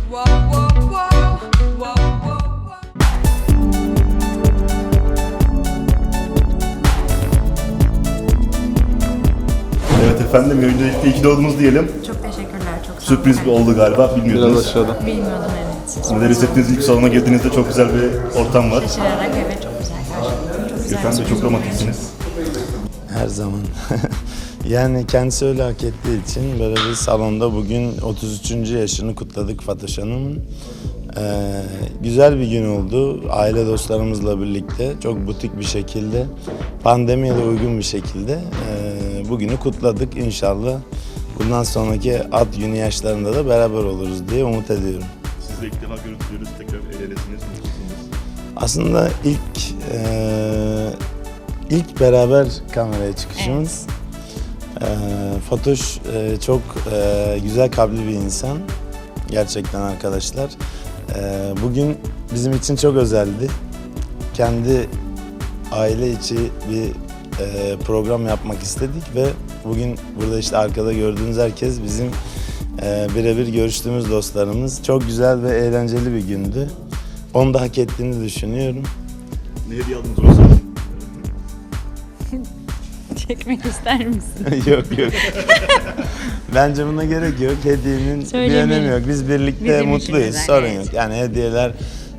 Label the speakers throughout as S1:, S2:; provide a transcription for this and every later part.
S1: Evet efendim, öncelikle iyi ki doğdunuz diyelim.
S2: Çok teşekkürler, çok sağ olun.
S1: Sürpriz bir oldu galiba, bilmiyordunuz.
S3: Biraz aşağıda.
S2: Bilmiyordum, evet.
S1: Neler hissettiniz ilk salona girdiğinizde? Çok güzel bir ortam var.
S2: Şaşırarak evet, çok güzel karşıladım. Çok güzel.
S1: Efendim de çok romantiksiniz.
S3: Her zaman. Yani kendisi öyle hak ettiği için böyle bir salonda bugün 33. yaşını kutladık Fatoş Hanım'ın. Güzel bir gün oldu. Aile dostlarımızla birlikte çok butik bir şekilde, pandemiye de uygun bir şekilde bugünü kutladık. İnşallah bundan sonraki ad günü yaşlarında da beraber oluruz diye umut ediyorum.
S1: Sizi de ilk defa görüntülüyoruz, tekrar el elesiniz, mutlusunuz.
S3: Aslında ilk beraber kameraya çıkışımız. Fatoş çok güzel kalpli bir insan. Gerçekten arkadaşlar. Bugün bizim için çok özeldi. Kendi aile içi bir program yapmak istedik ve bugün burada işte arkada gördüğünüz herkes bizim birebir görüştüğümüz dostlarımız. Çok güzel ve eğlenceli bir gündü. Onu da hak ettiğini düşünüyorum.
S1: Ne hediye aldınız orası?
S2: Çekmek ister misin?
S3: Yok. Bence buna gerek yok. Hediyenin bir önemi yok. Biz birlikte
S2: Bizim
S3: mutluyuz.
S2: için
S3: Sorun
S2: güzel,
S3: yok. Yani hediyeler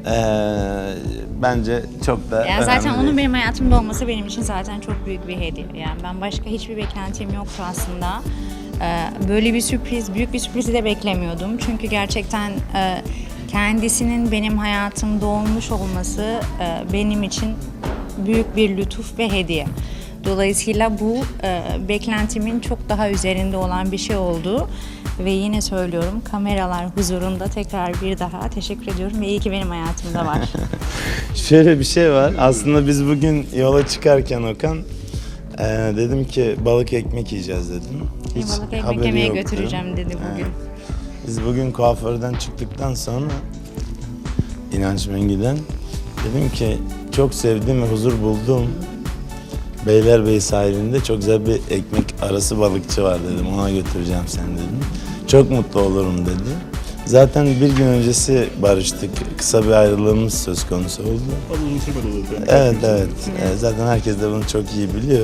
S3: bence çok da
S2: Ya zaten
S3: önemli
S2: onun
S3: değil.
S2: benim hayatımda olması benim için zaten çok büyük bir hediye. Yani ben başka hiçbir beklentim yoktu aslında. Böyle bir sürpriz, büyük bir sürprizi de beklemiyordum. Çünkü gerçekten kendisinin benim hayatımda olmuş olması benim için büyük bir lütuf ve hediye. Dolayısıyla bu beklentimin çok daha üzerinde olan bir şey oldu. Ve yine söylüyorum, kameralar huzurunda tekrar bir daha teşekkür ediyorum ve iyi ki benim hayatımda var.
S3: Şöyle bir şey var. Aslında biz bugün yola çıkarken Okan dedim ki balık ekmek yiyeceğiz dedim.
S2: Balık ekmek
S3: haberi
S2: yemeye
S3: yoktu.
S2: götüreceğim dedi bugün.
S3: Biz bugün kuaförden çıktıktan sonra İnanç Mengü'den dedim ki çok sevdiğim ve huzur bulduğum Beylerbeyi sahilinde çok güzel bir ekmek arası balıkçı var dedim. Ona götüreceğim seni dedim. Çok mutlu olurum dedi. Zaten bir gün öncesi barıştık. Kısa bir ayrılığımız söz konusu oldu.
S1: Fazla uzun sürmedi olur.
S3: Evet. Zaten herkes de bunu çok iyi biliyor.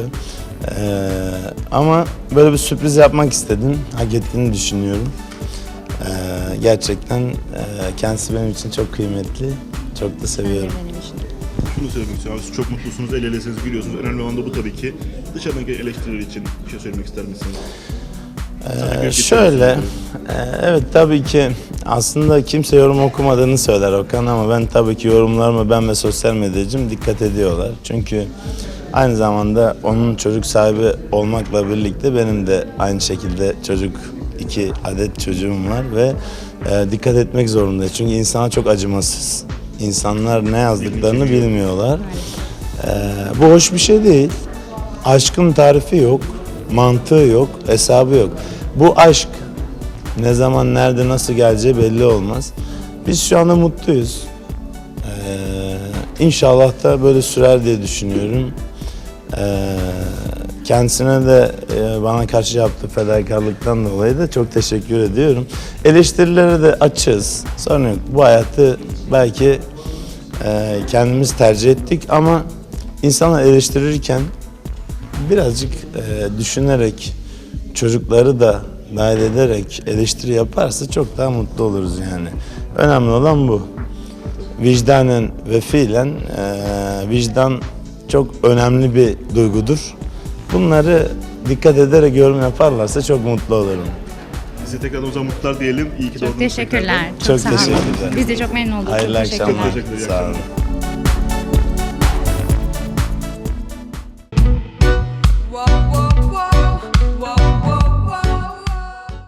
S3: Ama böyle bir sürpriz yapmak istedim. Hak ettiğini düşünüyorum. Gerçekten kendisi benim için çok kıymetli. Çok da seviyorum.
S2: Benim için.
S1: Şunu söylemek istiyorum. Siz çok mutlusunuz, el elesiniz, gülüyorsunuz. Önemli olan da bu tabii ki. Dışarıdaki eleştiriler için bir şey söylemek ister misiniz?
S3: Şöyle, evet tabii ki aslında kimse yorum okumadığını söyler Okan ama ben tabii ki yorumlarıma ben ve sosyal medyacım dikkat ediyorlar. Çünkü aynı zamanda onun çocuk sahibi olmakla birlikte benim de aynı şekilde 2 adet çocuğum var ve dikkat etmek zorundayız. Çünkü insana çok acımasız. İnsanlar ne yazdıklarını bilmiyorlar. Bu hoş bir şey değil. Aşkın tarifi yok, mantığı yok, hesabı yok. Bu aşk ne zaman, nerede, nasıl geleceği belli olmaz. Biz şu anda mutluyuz. İnşallah da böyle sürer diye düşünüyorum. Kendisine de bana karşı yaptığı fedakarlıktan dolayı da çok teşekkür ediyorum. Eleştirilere de açığız. Sorun yok. Bu hayatı belki kendimiz tercih ettik ama insanlar eleştirirken birazcık düşünerek, çocukları da dahil ederek eleştiri yaparsa çok daha mutlu oluruz yani. Önemli olan bu. Vicdanen ve fiilen vicdan çok önemli bir duygudur. Bunları dikkat ederek yorum yaparlarsa çok mutlu olurum.
S1: Size tekrar o zaman mutlular diyelim. İyi ki
S2: Çok
S1: doğdunuz.
S2: teşekkürler.
S3: Çok
S2: sağ olun.
S3: teşekkürler.
S2: Biz de çok memnun olduk.
S3: Hayırlı
S2: çok teşekkürler.
S3: akşamlar.
S1: Teşekkürler.
S3: Sağ olun.